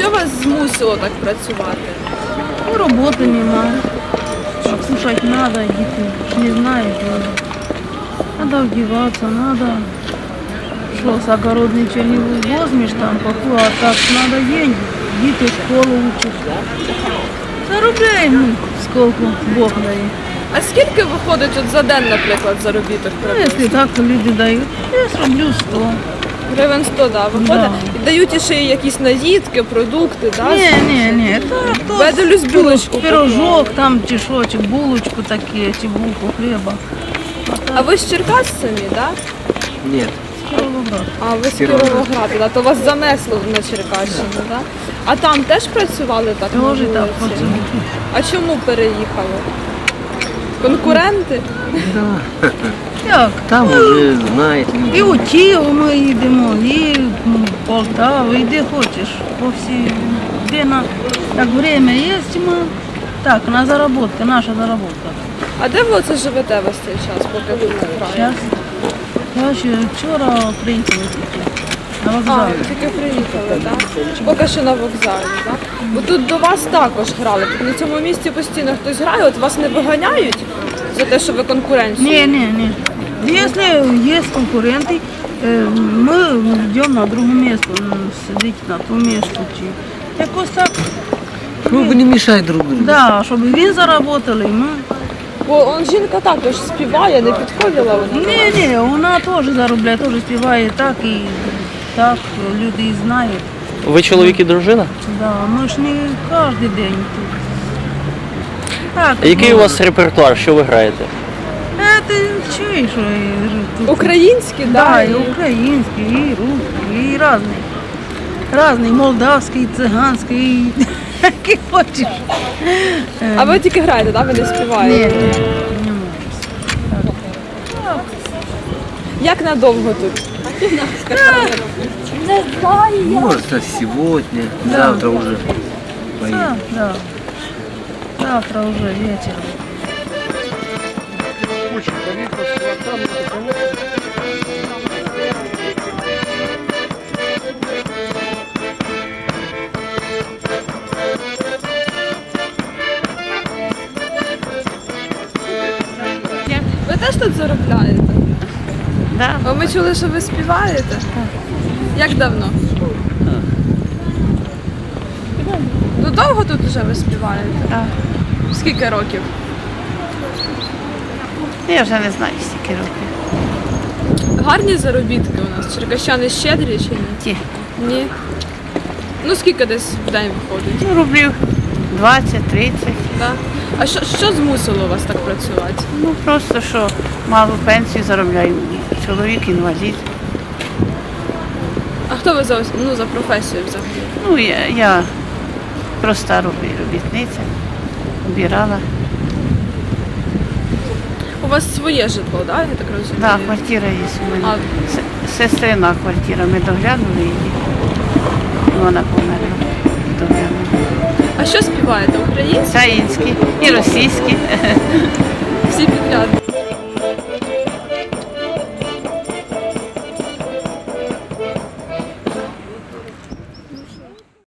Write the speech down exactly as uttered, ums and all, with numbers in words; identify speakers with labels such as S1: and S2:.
S1: Що вас змусило так працювати?
S2: Ну, роботи немає. А кушать надо, діти ж не знають. Надо вдіватися, надо. Що, з огород нічого не возьмеш там, поку, а так надо деньги. Діти школу учать. Заробляємо, скільки Бог дає.
S1: А скільки виходить от за день, наприклад, заробіток?
S2: Ну, якщо так люди дають, я зроблю сто.
S1: Гривень сто, да, виходить.
S2: Да.
S1: І дають ще й якісь наїдки, продукти, да?
S2: Ні, ні, ні, так, то
S1: Беделюсь булочку
S2: пирожок, там чи що, чи булочку такі, чи булку хліба.
S1: А ви з Черкас самі, да?
S3: Нет.
S2: Кіровоград.
S1: А ви з Кіровограда, да? То вас занесло на Черкащину, да? А там теж працювали так на
S2: Тоже так
S1: вулиці?
S2: працюю.
S1: А чому переїхали? Конкуренти?
S3: Да.
S2: Як?
S3: Там уже знает люди.
S2: І у Київ ми їдемо, і в Полтаву, і де хочеш. По всій, де на, як время є, ми так, на заробітки, наша заробітка.
S1: А де ви оце живете весь цей час, поки ви тут граєте?
S2: Зараз, я ще вчора приїхала тільки на
S1: А,
S2: вокзалі.
S1: тільки приїхали, так? Поки що на вокзалі, так? Бо тут до вас також грали. Тут на цьому місці постійно хтось грає, от вас не виганяють за те, що ви конкуренцію?
S2: Ні, ні, ні. Якщо є конкуренти, е, ми йдемо на друге місце, сидіти на тому місці. Чи якось так.
S3: Чтобы не мешать друг другу.
S2: Да, щоб він заработали, і ми.
S1: Бо он жінка також співає, не підходила вона.
S2: Ні, ні, вона теж заробляє, теж співає так і так, люди і знають.
S4: Ви чоловік і дружина?
S2: Да, ми ж не кожен день тут. Так,
S4: Який
S2: ну,
S4: у вас репертуар, що ви граєте?
S2: Е, ти чуєш, що я тут?
S1: Українські,
S2: Да,
S1: да?
S2: і український, і русський, і різний. Різний, молдавський, циганський, і який хочеш.
S1: А ви тільки граєте, да? Ви не
S2: Ні,
S1: співаєте?
S2: ні, не можу.
S1: Як надовго тут?
S3: Может, а сегодня,
S2: Да.
S3: завтра уже поедем.
S2: Да, да. Завтра уже вечер.
S1: Ви теж тут заробляєте?
S2: Да.
S1: А ми чули, що ви співаєте? Так. Як давно? Ну довго тут вже ви співаєте?
S2: Так.
S1: Скільки років?
S2: Я вже не знаю, скільки років.
S1: Гарні заробітки у нас. Черкащани щедрі чи ні?
S2: Ті.
S1: Ні. Ну скільки десь в день виходить?
S2: Ну, рублів двадцять-тридцять.
S1: Да? А що, що змусило вас так працювати?
S2: Ну, просто що мало пенсії заробляю. Чоловік інвалід.
S1: А хто ви за, ос- ну, за професію взагалі?
S2: Ну, я, я проста робі- робітниця. Обирала.
S1: У вас своє житло, да? Я так розумію?
S2: Да, квартира є у мене.
S1: А-
S2: С- Сестрина квартира. Ми доглянули її. І вона померла. Доглянули.
S1: А що співаєте? Українські?
S2: Українські і російські.
S1: Всі підряд,